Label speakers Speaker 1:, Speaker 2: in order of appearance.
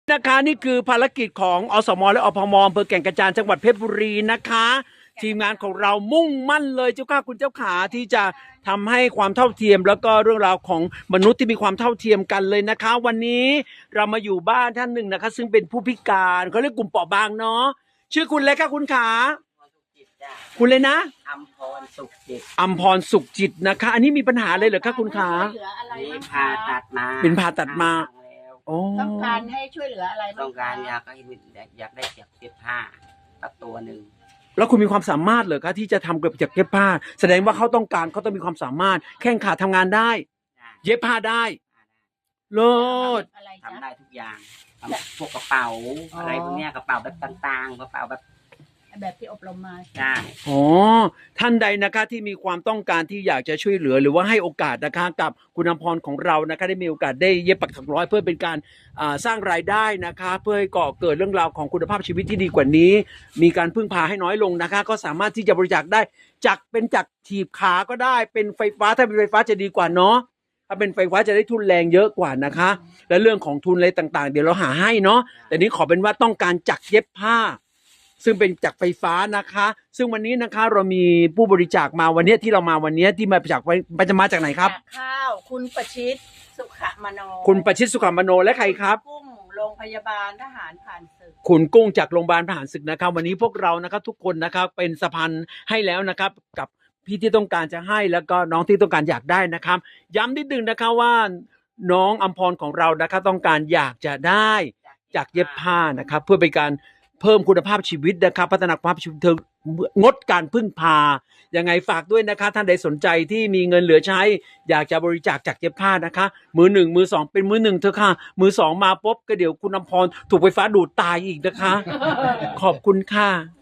Speaker 1: นะคะนี่คือภารกิจของอสมและอพมอำเภอแก่งกระจานจังหวัดเพชรบุรีนะคะทีมงานของเรามุ่งมั่นเลยเจ้าข้าคุณเจ้าขาที่จะทำให้ความเท่าเทียมแล้วก็เรื่องราวของมนุษย์ที่มีความเท่าเทียมกันเลยนะคะวันนี้เรามาอยู่บ้านท่านหนึ่งนะคะซึ่งเป็นผู้พิการเขาเรียกกลุ่มเปราะบางเนาะชื่อคุณเลยค่ะคุณขาคุณเลยนะ
Speaker 2: อัมพรสุขจิต
Speaker 1: อัมพรสุขจิตนะคะอันนี้มีปัญหาเลยเหรอคะคุณขา
Speaker 2: นี่ผ่าตัดมา
Speaker 1: เป็นผ่าตัดมา
Speaker 3: ต้องการให้ช่วยเหลืออะไรบ้าง
Speaker 2: ต้องการอยากได้เก็บผ้าตัดตัวหนึ่ง
Speaker 1: แล้วคุณมีความสามารถเหรอคะที่จะทำเก็บผ้าแสดงว่าเขาต้องการเขาต้องมีความสามารถแข้งขาทำงานได้เย็บผ้าได้โลด
Speaker 2: ทำได้ทุกอย่างพวกกระเป๋าอะไรพวกนี้กระเป๋าแบบต่างๆกระเป๋าแบบ
Speaker 3: ที่อบรมมา
Speaker 2: ใช่
Speaker 1: อ๋อท่านใดนะคะที่มีความต้องการที่อยากจะช่วยเหลือหรือว่าให้โอกาสนะคะกับคุณอภรของเรานะคะได้มีโอกาสได้เย็บปักถักร้อยเพื่อเป็นการสร้างรายได้นะคะเพื่อให้ก่อเกิดเรื่องราวของคุณภาพชีวิตที่ดีกว่านี้มีการพึ่งพาให้น้อยลงนะคะก็สามารถที่จะบริจาคได้จากถีบขาก็ได้เป็นไฟฟ้าถ้าเป็นไฟฟ้าจะดีกว่าเนาะถ้าเป็นไฟฟ้าจะได้ทุนแรงเยอะกว่านะคะและเรื่องของทุนอะไรต่างๆเดี๋ยวเราหาให้เนาะแต่นี้ขอเป็นว่าต้องการจักเย็บผ้าซึ่งเป็นจากไฟฟ้านะคะซึ่งวันนี้นะคะเรามีผู้บริจาคมาวันนี้ที่เรามาวันนี้ที่มาจากจะมาจากไหนครับ
Speaker 3: ข้าวคุณประชิตสุขมโน
Speaker 1: คุณประชิตสุขมโนและใครครับ
Speaker 3: กุ้งโรงพยาบาลทหารผ่านศึก
Speaker 1: คุณกุ้งจากโรงพยาบาลทหารศึกนะครับวันนี้พวกเรานะครับทุกคนนะครับเป็นสะพานให้แล้วนะครับกับพี่ที่ต้องการจะให้แล้วก็น้องที่ต้องการอยากได้นะครับย้ำนิดนึงนะคะว่าน้องอัมพรของเรานะครับต้องการอยากจะได้จากเย็บผ้านะครับเพื่อเป็นการเพิ่มคุณภาพชีวิตนะครับพัฒนาคุณภาพชีวิตเธองดการพึ่งพายังไงฝากด้วยนะคะท่านใดสนใจที่มีเงินเหลือใช้อยากจะบริจาคจากเย็บผ้านะคะมือหนึ่งมือสองเป็นมือหนึ่งเถอะค่ะมือสองมาปุ๊บก็เดี๋ยวคุณอภรถูกไฟฟ้าดูดตายอีกนะคะขอบคุณค่ะ